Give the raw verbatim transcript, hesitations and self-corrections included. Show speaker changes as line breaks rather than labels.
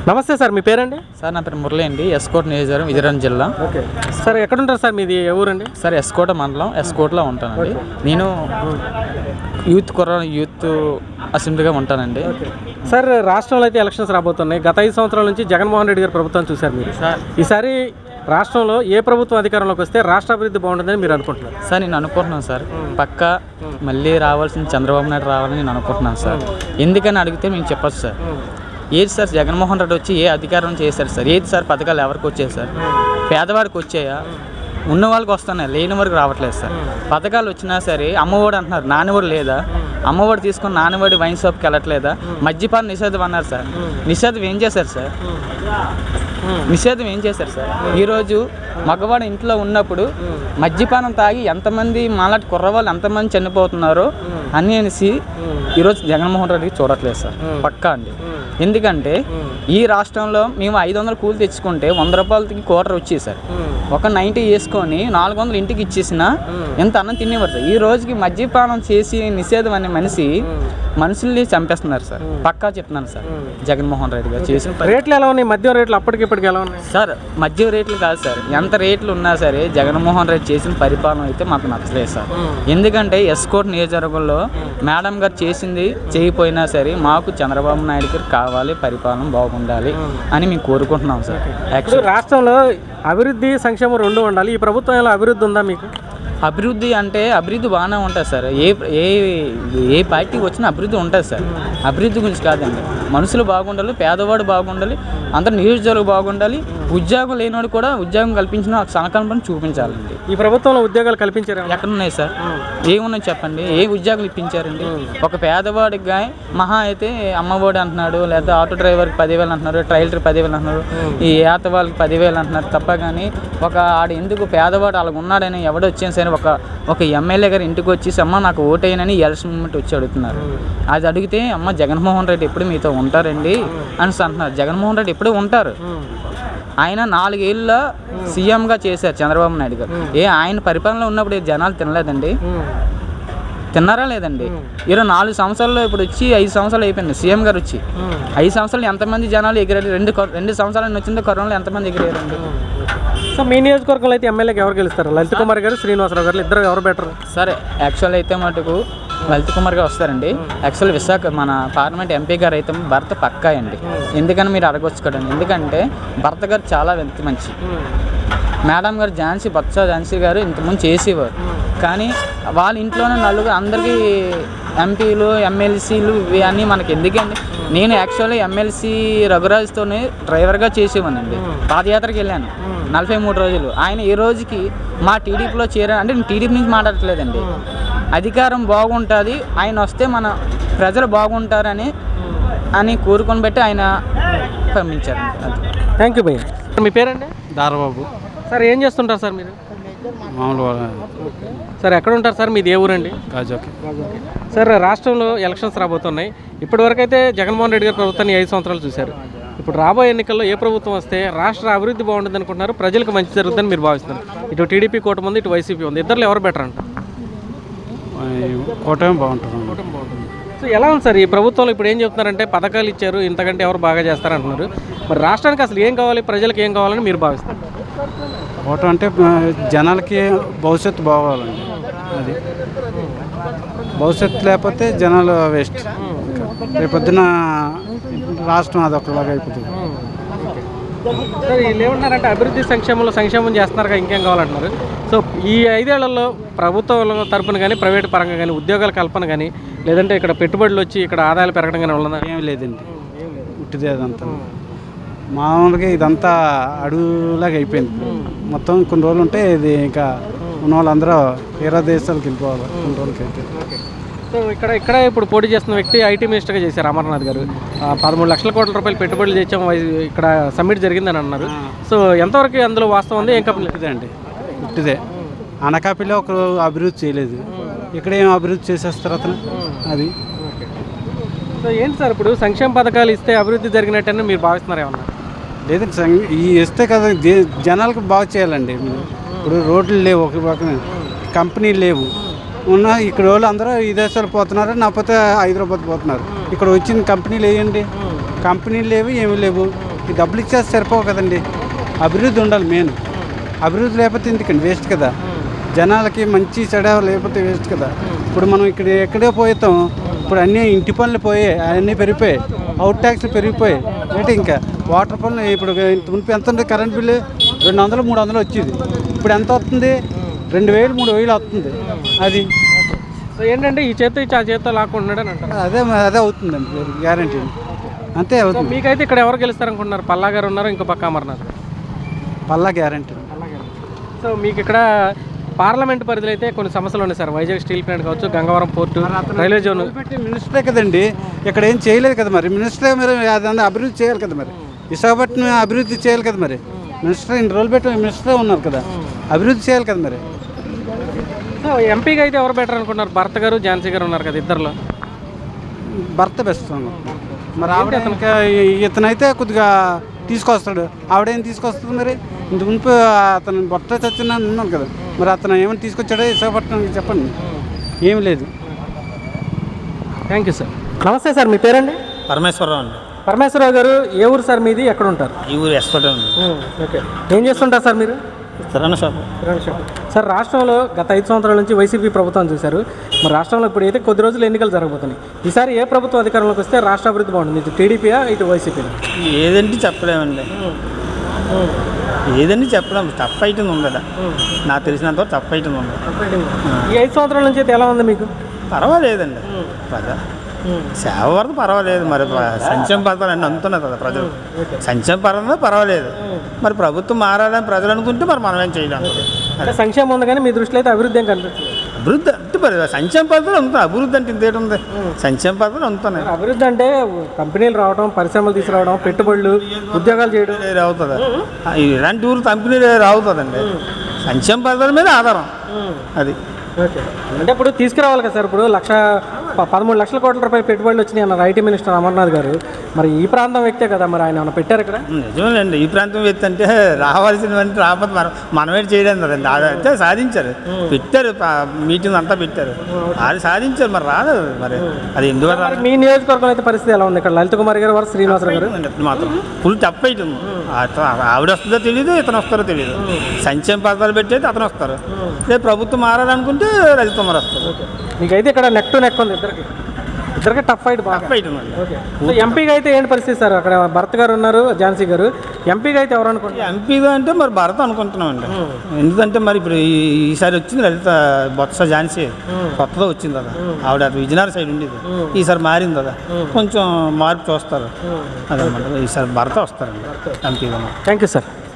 నమస్తే సార్, మీ పేరండి?
సార్ నా పేరు మురళి అండి, ఎస్కోట్ నియోజకవర్గం, విజయనగరం జిల్లా.
ఓకే సార్, ఎక్కడ ఉంటారు సార్? మీది ఏ ఊరండి?
సార్ ఎస్కోట మండలం, ఎస్కోట్లో ఉంటానండి. నేను యూత్ కుర్ర యూత్ అసెంబ్లీగా ఉంటానండి.
సార్, రాష్ట్రంలో అయితే ఎలక్షన్స్ రాబోతున్నాయి. గత ఐదు సంవత్సరాల నుంచి జగన్మోహన్ రెడ్డి గారి ప్రభుత్వం చూశారు మీరు.
సార్
ఈసారి రాష్ట్రంలో ఏ ప్రభుత్వం అధికారంలోకి వస్తే రాష్ట్ర అభివృద్ధి బాగుంటుందని మీరు అనుకుంటున్నారు?
సార్ నేను అనుకుంటున్నాను సార్, పక్క మళ్ళీ రావాల్సిన చంద్రబాబు నాయుడు రావాలని నేను అనుకుంటున్నాను సార్. ఎందుకని అడిగితే మేము చెప్పచ్చు సార్. ఏది సార్ జగన్మోహన్ రెడ్డి వచ్చి ఏ అధికారం చేశారు సార్? ఏది సార్ పథకాలు ఎవరికి వచ్చాయి సార్? పేదవాడికి వచ్చాయా? ఉన్న వాళ్ళకి వస్తున్నాయి, లేని వరకు రావట్లేదు సార్. పథకాలు వచ్చినా సరే అమ్మఒడి అంటున్నారు, నాన్నఒడి లేదా? అమ్మఒడి తీసుకొని నాన్నఒడి వైన్ షాప్కి వెళ్ళట్లేదా? మద్యపాన నిషేధం అన్నారు సార్, నిషేధం ఏం చేశారు సార్? నిషేధం ఏం చేశారు సార్? ఈరోజు మగవాడు ఇంట్లో ఉన్నప్పుడు మద్యపానం తాగి ఎంతమంది మాలాంటి కుర్రవాళ్ళు ఎంతమంది చనిపోతున్నారో అని అనేసి ఈరోజు జగన్మోహన్ రెడ్డికి చూడట్లేదు సార్, పక్కా అండి. ఎందుకంటే ఈ రాష్ట్రంలో మేము ఐదు వందలు కూలి తెచ్చుకుంటే వంద రూపాయలకి క్వార్టర్ వచ్చేది సార్. ఒక నైంటీ వేసుకొని నాలుగు వందలు ఇంటికి ఇచ్చేసిన ఎంత అన్నం తినేవారు సార్. ఈ రోజుకి మద్యపానం చేసి నిషేధం అనే మనిషి మనుషుల్ని చంపేస్తున్నారు సార్, పక్కా చెప్తున్నాను సార్. జగన్మోహన్ రెడ్డి గారు చేసిన
రేట్లు ఎలా ఉన్నాయి? మద్యం రేట్లు అప్పటికి ఇప్పటికి ఎలా ఉన్నాయి
సార్? మద్యం రేట్లు కాదు సార్, ఎంత రేట్లు ఉన్నా సరే జగన్మోహన్ రెడ్డి చేసిన పరిపాలన అయితే మాకు నచ్చలేదు సార్. ఎందుకంటే ఎస్కోట్ నియోజకవర్గంలో మేడం గారు చేసింది చేయకపోయినా సరే మాకు చంద్రబాబు నాయుడు గారు కావాలి, పరిపాలన బాగుండాలి అని మేము కోరుకుంటున్నాం సార్.
యాక్చువల్లీ రాష్ట్రంలో అభివృద్ధి సంక్షేమం రెండు ఉండాలి. ఈ ప్రభుత్వంలో అభివృద్ధి ఉందా మీకు?
అభివృద్ధి అంటే అభివృద్ధి బాగానే ఉంటుంది సార్. ఏ ఏ ఏ పార్టీకి వచ్చినా అభివృద్ధి ఉంటుంది సార్. అభివృద్ధి గురించి కాదండి, మనుషులు బాగుండాలి, పేదవాడు బాగుండాలి, అందరు నియోజకవర్గం బాగుండాలి, ఉద్యోగం లేనివాడు కూడా ఉద్యోగం కల్పించిన సంకల్పం చూపించాలండి.
ఈ ప్రభుత్వంలో ఉద్యోగాలు కల్పించారు
ఎక్కడున్నాయి సార్? ఏమున్నాయి చెప్పండి? ఏ ఉద్యోగాలు ఇప్పించారండి? ఒక పేదవాడికి మహా అయితే అమ్మఒడి అంటున్నాడు, లేదా ఆటో డ్రైవర్కి పదివేలు అంటున్నారు, ట్రైలర్ పదివేలు అంటున్నారు, ఈ ఏత వాళ్ళకి పదివేలు అంటున్నారు తప్ప. కానీ ఒక ఆడు ఎందుకు పేదవాడు అలాగ ఉన్నాడని ఎవడు వచ్చేసి సరే ఒక ఒక ఎమ్మెల్యే గారు ఇంటికి వచ్చి అమ్మ నాకు ఓటేయనని ఎలక్షన్ మూమెంట్ వచ్చి అడుగుతున్నారు. అది అడిగితే అమ్మ జగన్మోహన్ రెడ్డి ఎప్పుడు మీతో ఉంటారండి అని అంటున్నారు. జగన్మోహన్ రెడ్డి ఎప్పుడు ఉంటారు. ఆయన నాలుగేళ్ళ సీఎంగా చేశారు చంద్రబాబు నాయుడు గారు. ఏ ఆయన పరిపాలనలో ఉన్నప్పుడు జనాలు తినలేదండి? తిన్నారా లేదండి? ఇరవై నాలుగు సంవత్సరాల్లో ఇప్పుడు వచ్చి ఐదు సంవత్సరాలు అయిపోయింది సీఎం గారు వచ్చి. ఐదు సంవత్సరాలు ఎంతమంది జనాలు ఎగిరారు? రెండు రెండు సంవత్సరాలు వచ్చిందో కరోనాలో ఎంతమంది ఎగిరారండి?
సో మీ నియోజకవర్గంలో అయితే ఎమ్మెల్యేకి ఎవరు గెలుస్తారు? లలిత్ కుమార్ గారు, శ్రీనివాసరావు గారు, ఇద్దరు ఎవరు బెటర్?
సరే యాక్చువల్ అయితే మటుకు లలిత్ కుమార్ గారు వస్తారండి. యాక్చువల్ విశాఖ మన పార్లమెంట్ ఎంపీ గారు అయితే భర్త పక్కా అండి. ఎందుకని మీరు అడగొచ్చు కదండి. ఎందుకంటే భర్త గారు చాలా వ్యక్తి మంచి. మేడం గారు ఝాన్సీ బొత్స ఝాన్సీ గారు ఇంతకుముందు చేసేవారు, కానీ వాళ్ళ ఇంట్లోనే నలుగురు అందరికీ ఎంపీలు ఎమ్మెల్సీలు ఇవి అన్నీ మనకి ఎందుకండి. నేను యాక్చువల్లీ ఎమ్మెల్సీ రఘురాజ్తోనే డ్రైవర్గా చేసేవానండి. పాదయాత్రకి వెళ్ళాను నలభై మూడు రోజులు. ఆయన ఈ రోజుకి మా టీడీపీలో చేరాను అంటే నేను టీడీపీ నుంచి మాట్లాడట్లేదండి. అధికారం బాగుంటుంది, ఆయన వస్తే మన ప్రజలు బాగుంటారని అని కోరుకొని బట్టి ఆయన పంపించారు.
థ్యాంక్ యూ భయ్య. మీ పేరండి?
దారబాబు.
సార్ ఏం చేస్తుంటారు సార్ మీరు?
మామూలుగా
సార్ ఎక్కడ ఉంటారు సార్? మీది ఏ ఊరండి?
గాజోకి.
సార్ రాష్ట్రంలో ఎలక్షన్స్ రాబోతున్నాయి. ఇప్పటివరకు అయితే జగన్మోహన్ రెడ్డి గారి ప్రభుత్వాన్ని ఐదు సంవత్సరాలు చూశారు. ఇప్పుడు రాబోయే ఎన్నికల్లో ఏ ప్రభుత్వం వస్తే రాష్ట్ర అభివృద్ధి బాగుంటుంది అనుకుంటున్నారు, ప్రజలకు మంచి జరుగుతుందని మీరు భావిస్తున్నారు? ఇటు టీడీపీ కూటమి ఉంది, ఇటు వైసీపీ ఉంది. ఇద్దరు ఎవరు బెటర్ అంట?
కూటమి బాగుంటుంది.
కూటమి బాగుంటుంది. సో ఎలా ఉంది సార్ ఈ ప్రభుత్వంలో? ఇప్పుడు ఏం చెప్తున్నారంటే పథకాలు ఇచ్చారు, ఇంతకంటే ఎవరు బాగా చేస్తారంటున్నారు. మరి రాష్ట్రానికి అసలు ఏం కావాలి, ప్రజలకు ఏం కావాలని మీరు భావిస్తారు?
కూటమి అంటే జనాలకి భవిష్యత్తు బాగోవాలండి. అది భవిష్యత్తు లేకపోతే జనాలు వేస్ట్. రేపొద్దున రాష్ట్రం అదొకలాగా అయిపోతుంది.
సార్ వీళ్ళు ఏమంటున్నారంటే అభివృద్ధి సంక్షేమంలో సంక్షేమం చేస్తున్నారు, ఇంకేం కావాలంటున్నారు. సో ఈ ఐదేళ్లలో ప్రభుత్వం తరపున కానీ ప్రైవేట్ పరంగా కానీ ఉద్యోగాల కల్పన కానీ లేదంటే ఇక్కడ పెట్టుబడులు వచ్చి ఇక్కడ ఆదాయాలు పెరగడం కానీ ఉన్నదా?
ఏమి లేదండి, ఉట్టిదే అదంతా. మామూలుగా ఇదంతా అడుగులాగా అయిపోయింది. మొత్తం కొన్ని రోజులు ఉంటే ఇది ఇంకా ఉన్న వాళ్ళందరూ వేరే దేశాలకు వెళ్ళిపోవాలి కొన్ని రోజులకి అయితే.
సో ఇక్కడ ఇక్కడ ఇప్పుడు పోటీ చేస్తున్న వ్యక్తి ఐటీ మినిస్టర్గా చేశారు అమర్నాథ్ గారు. పదమూడు లక్షల కోట్ల రూపాయలు పెట్టుబడులు చేసాము ఇక్కడ సమ్మిట్ జరిగిందని అన్నారు. సో ఎంతవరకు అందులో వాస్తవం ఉంది? ఏం కంపెనీ
అండి? ఉట్టిదే. అనకాపల్లిలో ఒక అభివృద్ధి చేయలేదు, ఇక్కడ ఏం అభివృద్ధి చేసేస్తారు అతను. అది
సో ఏంటి సార్ ఇప్పుడు సంక్షేమ పథకాలు ఇస్తే అభివృద్ధి జరిగినట్టని మీరు భావిస్తున్నారు ఏమన్నా?
లేదండి, ఈ ఇస్తే కదా జనాలకు బాగా చేయాలండి. ఇప్పుడు రోడ్లు లేవు, ఒక పక్కన కంపెనీలు లేవు, ఉన్న ఇక్కడ వాళ్ళు అందరూ విదేశాలు పోతున్నారు, లేకపోతే హైదరాబాద్ పోతున్నారు. ఇక్కడ వచ్చిన కంపెనీలు వేయండి, కంపెనీలు లేవు, ఏమి లేవు. ఈ డబ్బులు ఇచ్చేస్తే సరిపోవు కదండి, అభివృద్ధి ఉండాలి మెయిన్. అభివృద్ధి లేకపోతే ఎందుకండి, వేస్ట్ కదా. జనాలకి మంచి చెడ లేకపోతే వేస్ట్ కదా. ఇప్పుడు మనం ఇక్కడ ఎక్కడే పోతాం, ఇప్పుడు అన్నీ ఇంటి పనులు పోయాయి, అన్నీ పెరిగిపోయాయి, అవుట్ ట్యాక్స్లు పెరిగిపోయాయి. ఏంటి ఇంకా వాటర్ పనులు ఇప్పుడు మునుపు ఎంత ఉంది, కరెంట్ బిల్లు రెండు వందలు మూడు వందలు వచ్చేది, ఇప్పుడు ఎంత వస్తుంది, రెండు వేలు మూడు వేలు వస్తుంది. అది
సో ఏంటంటే ఈ చేత్తో ఇచ్చి ఆ చేత్తో లాక్కుంటున్నాడు అని అంటారు.
అదే అదే అవుతుందండి గ్యారంటీ, అంతే
సో
అవుతుంది.
మీకైతే ఇక్కడ ఎవరు గెలుస్తారనుకుంటున్నారు? పల్లా గారు ఉన్నారు, ఇంకో పక్క అమర్నాథ్.
పల్లా గ్యారంటీ.
సో మీకు ఇక్కడ పార్లమెంట్ పరిధిలో అయితే కొన్ని సమస్యలు ఉన్నాయి సార్. వైజాగ్ స్టీల్ ప్లాంట్ కావచ్చు, గంగవరం పోర్టు, రైల్వే జోన్.
మినిస్టరే కదండి, ఇక్కడ ఏం చేయలేదు కదా మరి. మినిస్టరే మరి అదన్నా అభివృద్ధి చేయాలి కదా మరి, విశాఖపట్నం అభివృద్ధి చేయాలి కదా మరి. మినిస్టర్ ఇన్ని రోజులు పెట్టి మినిస్టరే ఉన్నారు కదా, అభివృద్ధి చేయాలి కదా మరి.
సో ఎంపీగా అయితే ఎవరు బెటర్ అనుకున్నారు? భర్త గారు, ఝాన్సీ గారు ఉన్నారు కదా, ఇద్దరులో
భర్త బెస్ట్ మరి. ఆవిడ ఇంకా ఇతనైతే కొద్దిగా తీసుకొస్తాడు, ఆవిడేం తీసుకొస్తుంది మరి. ఇంత మునుపు అతను బొట్ట చచ్చిన ఉన్నాడు కదా, మరి అతను ఏమైనా తీసుకొచ్చాడో విశాఖపట్నానికి చెప్పండి, ఏమి లేదు.
Thank you sir. నమస్తే సార్, మీ పేరండి?
పరమేశ్వరరావు అండి.
పరమేశ్వరరావు గారు ఏ ఊరు సార్ మీది, ఎక్కడ ఉంటారు?
ఈ ఊరు ఎస్కోటే ఉంది.
ఓకే, ఏం చేస్తుంటారు సార్ మీరు?
కిరాణా షాప్.
సార్ రాష్ట్రంలో గత ఐదు సంవత్సరాల నుంచి వైసీపీ ప్రభుత్వం చూశారు. మరి రాష్ట్రంలో ఇప్పుడు అయితే కొద్ది రోజులు ఎన్నికలు జరగబోతున్నాయి. ఈసారి ఏ ప్రభుత్వం అధికారంలోకి వస్తే రాష్ట్ర అభివృద్ధి బాగుంటుంది? ఇటు టీడీపీయా, ఇటు వైసీపీనా?
ఏదంటే చెప్పలేమండి, ఏదంటే చెప్పలేం. టఫ్ ఐటమ్ ఉంది కదా, నాకు తెలిసినంత టఫ్ ఐటమ్ ఉంది.
ఈ ఐదు సంవత్సరాల నుంచి అయితే ఎలా ఉంది మీకు?
పర్వాలేదండి, పద సేవ వరకు పర్వాలేదు. మరి సంక్షేమ పథకాలు అన్నీ అందుతున్నాయి కదా ప్రజలు, సంక్షేమ పరంగా పర్వాలేదు. మరి ప్రభుత్వం మారాలని ప్రజలు అనుకుంటే మరి మనం ఏం చేయలేం.
అంటే సంక్షేమం ఉంది కానీ మీ దృష్టిలో అయితే అభివృద్ధి ఏం కనిపిస్తుంది?
అభివృద్ధి అంటే మరి సంక్షేమ పథకాలు అందుతున్నాయి. అభివృద్ధి అంటే ఇంతేటి ఉంది, సంక్షేమ పథకాలు అందుతున్నాయి.
అభివృద్ధి అంటే కంపెనీలు రావడం, పరిశ్రమలు తీసుకురావడం, పెట్టుబడులు, ఉద్యోగాలు చేయడం
అవుతుందా? ఇలాంటి ఊరు కంపెనీలు రావుతుందండి. సంక్షేమ పథకాల మీద ఆధారం అది.
ఓకే, అంటే ఇప్పుడు తీసుకురావాలి కదా సార్. ఇప్పుడు లక్ష ప- పదమూడు లక్షల కోట్ల రూపాయలు పెట్టుబడులు వచ్చినాయి అన్నారు ఐటీ మినిస్టర్ అమర్నాథ్ గారు. మరి ఈ ప్రాంతం వ్యక్తే కదా, మరి ఆయన ఏమైనా పెట్టారు ఇక్కడ?
నిజమేనండి, ఈ ప్రాంతం వ్యక్తి అంటే రావాల్సినవన్నీ రాకపోతే మనం మనమేటి చేయలేదు కదండి. అయితే సాధించారు, పెట్టారు, మీటింగ్ అంతా పెట్టారు, అది సాధించారు. మరి రాలేదు మరి, అది ఎందువల్ల
మరి మీ నియోజకవర్గం అయితే పరిస్థితి ఎలా ఉంది? ఇక్కడ లలిత కుమార్ గారు, వారు శ్రీనివాసరావు గారు
మాత్రం ఫుల్ టఫ్ అవుతుంది. ఆవిడ వస్తుందో తెలియదు, ఇతను వస్తారో తెలియదు. సంక్షేమ పథకాలు పెట్టేది అతను వస్తారు, రేపు ప్రభుత్వం మారాలనుకుంటే లలిత కుమార్ వస్తారు.
మీకైతే ఇక్కడ నెక్ టు నెక్ ఉంది, ఇద్దరికి ఇద్దరికి టఫ్ ఫైట్ బాగా.
టఫ్ అవుతుంది.
ఓకే, సో ఎంపీగా అయితే ఏంటి పరిస్థితి సార్? అక్కడ భరత్ గారు ఉన్నారు, ఝాన్సీ గారు. ఎంపీగా అయితే ఎవరు అనుకుంటారు?
ఎంపీగా అంటే మరి భరత్ అనుకుంటున్నామండి. ఎందుకంటే మరి ఇప్పుడు ఈ- ఈసారి వచ్చింది లలిత బొత్స ఝాన్సీ, కొత్తగా వచ్చింది కదా, ఆవిడ అటు విజయనగరం సైడ్ ఉండేది, ఈసారి మారింది కదా, కొంచెం మార్పు చూస్తారు. అదనమాట, ఈసారి భరత వస్తారండి ఎంపీగా.
Thank you sir.